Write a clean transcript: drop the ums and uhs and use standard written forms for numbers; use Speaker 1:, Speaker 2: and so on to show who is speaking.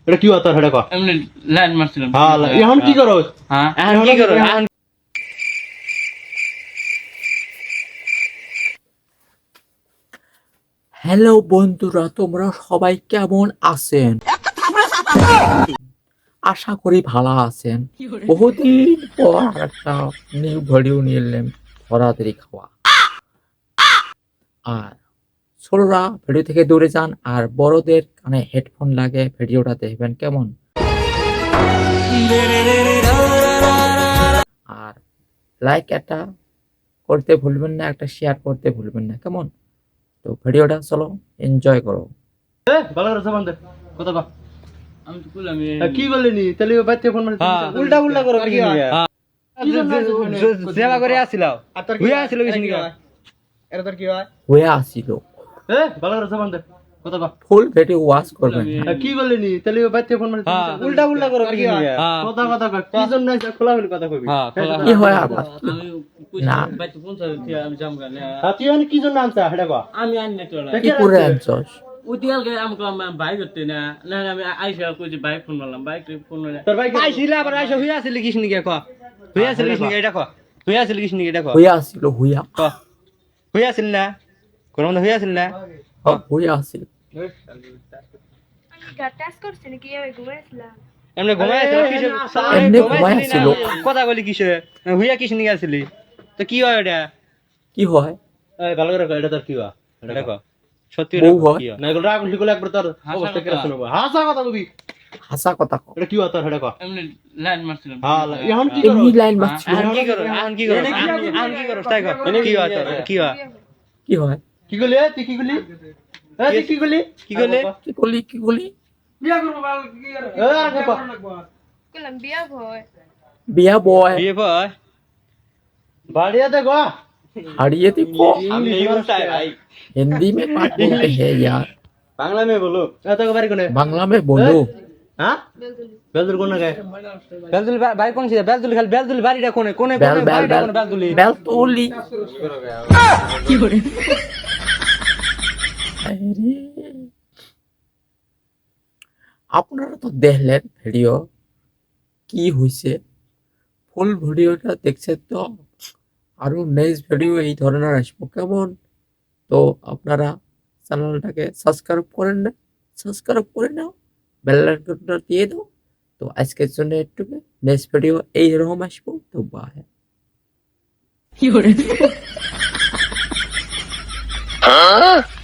Speaker 1: এটা কি হতো এটা কো
Speaker 2: এমনি লাইন মারছিলাম।
Speaker 1: হ্যাঁ এখন কি করো
Speaker 2: হ্যাঁ
Speaker 1: এখন কি করো এখন
Speaker 3: হ্যালো বন্ধুরা, তোমরা সবাই কেমন আছেন? আশা করি ভালো আছেন। বহুদিন পর একটা নিউ ভিডিও নিয়ে এলাম, ধরাধরি খাওয়া। আর ছোটরা ভিডিও থেকে দূরে যান, আর বড়দের কানে হেডফোন লাগে ভিডিওটা দেখবেন কেমন। আর লাইক একটা করতে ভুলবেন না, একটা শেয়ার করতে ভুলবেন না, কেমন? তো ভিডিওটা চলো এনজয় করো।
Speaker 1: ভালো করে জবান দে কথা কো
Speaker 2: আমি তো বললাম
Speaker 1: কি বললি তাহলে বাইতে ফোন মারছিস
Speaker 4: উল্টা উল্টা করো কি সেবা করে আসিলাও
Speaker 1: আর তোর
Speaker 4: হইয়া আসিল কিছু নি
Speaker 1: এটা তোর কি হয়
Speaker 3: হয়ে আসছিল,
Speaker 1: ভালো করে জবান দে কথা কো
Speaker 3: ফুল ভিডিও ওয়াচ করবেন।
Speaker 1: কি বললি তাহলে বাইতে ফোন মারছিস
Speaker 4: উল্টা উল্টা করো কি
Speaker 1: কথা কথা কো কি জন্য আছে খোলা হলি কথা কইবি
Speaker 3: কি হয় আবার?
Speaker 2: আমি
Speaker 3: না।
Speaker 2: বাইতে ফোন চালাতে আমি জাম গানে
Speaker 1: তুই মানে কি জন্য আনছা এটা কো
Speaker 2: আমি আনি না তোলা
Speaker 3: কি করে আনছস?
Speaker 2: উদিয়ালকে আমাকে বাইক করতে না না আমি আইসা কই যে বাইক ফোন মারলাম বাইক ফোন না
Speaker 1: তোর ভাই
Speaker 4: আইছিল আবার আইসা হইয়া আসিল কিছু নি ক হইয়া আসিল কিছু নি এটা ক হইয়া আসিল কিছু নি এটা ক
Speaker 3: হয়ে আসছিল, হইয়া
Speaker 4: ক হইয়া আসিল না কোন মধ্যে হইয়া আসিল না
Speaker 3: হয়ে আসছিল।
Speaker 5: টেস্ট করছে নাকি আমি ঘুমাইছিলাম
Speaker 4: এমনি ঘুমাই আসিল কিসে
Speaker 3: এমনি ঘুমাই আসিল।
Speaker 4: কথা বলি কিসে হইয়া কিছু নি আসিলি তো কি হয় এটা
Speaker 3: কি হয়?
Speaker 1: ভালো করে কো এটা তোর কি হয়
Speaker 4: এটা ক সত্যি
Speaker 3: বউ হয়।
Speaker 4: কি হয়
Speaker 1: না এগুলো রাগ হলি গেলে একবার তোর অবস্থা কেরা শুনবো হাসা কথা কবি
Speaker 3: হাসা কথা কও।
Speaker 1: এটা কি হয় তোর এটা কো
Speaker 2: এমনি লাইন মারছিলাম।
Speaker 1: হ্যাঁ এখন কি করো
Speaker 3: এমনি লাইন মারছিল।
Speaker 4: এখন কি করো এখন কি করো এখন কি করো তাই কর কি হয় তোর কি হয়
Speaker 3: কি হয়?
Speaker 1: কি করলি তুই কি করলি তুই কি করলি
Speaker 4: কি করলে
Speaker 3: কি করলি, কি করলি?
Speaker 1: আর কো
Speaker 5: কইলাম বিয়া ভয়
Speaker 3: বিয়া বয়
Speaker 4: বিয়ে হয়
Speaker 1: बाड़िया देखो
Speaker 3: हाड़िए देखो।
Speaker 4: আমি এই বলতাই ভাই
Speaker 3: हिंदी में बात बोलते हैं यार,
Speaker 4: বাংলা মে বলো
Speaker 1: तो को बारी कोने
Speaker 3: बांग्ला में बोलो।
Speaker 1: हां बेलदुल कोन गए
Speaker 4: বেলদুল ভাই কোন ছিল বেলদুল খালি বেলদুল বাড়িটা কোনে কোনে
Speaker 3: बेल बेल
Speaker 4: বাড়িটা
Speaker 3: बेल
Speaker 4: কোনে বেলদুলি
Speaker 3: बेल तोली। কি করে? আরে আপনারা তো দেখলেন ভিডিও, কি হইছে ফুল ভিডিওটা দেখছেন তো। আরো নেক্সট ভিডিও এই ধরনের আসবো, কেমন? তো আপনারা চ্যানেলটাকে সাবস্ক্রাইব করেন না, সাবস্ক্রাইব করে নাও, বেল আইকনটা দিয়ে দাও। তো আজকের জন্য একটু, নেক্সট ভিডিও এইরকম আসবো। তো বাই। কি করে?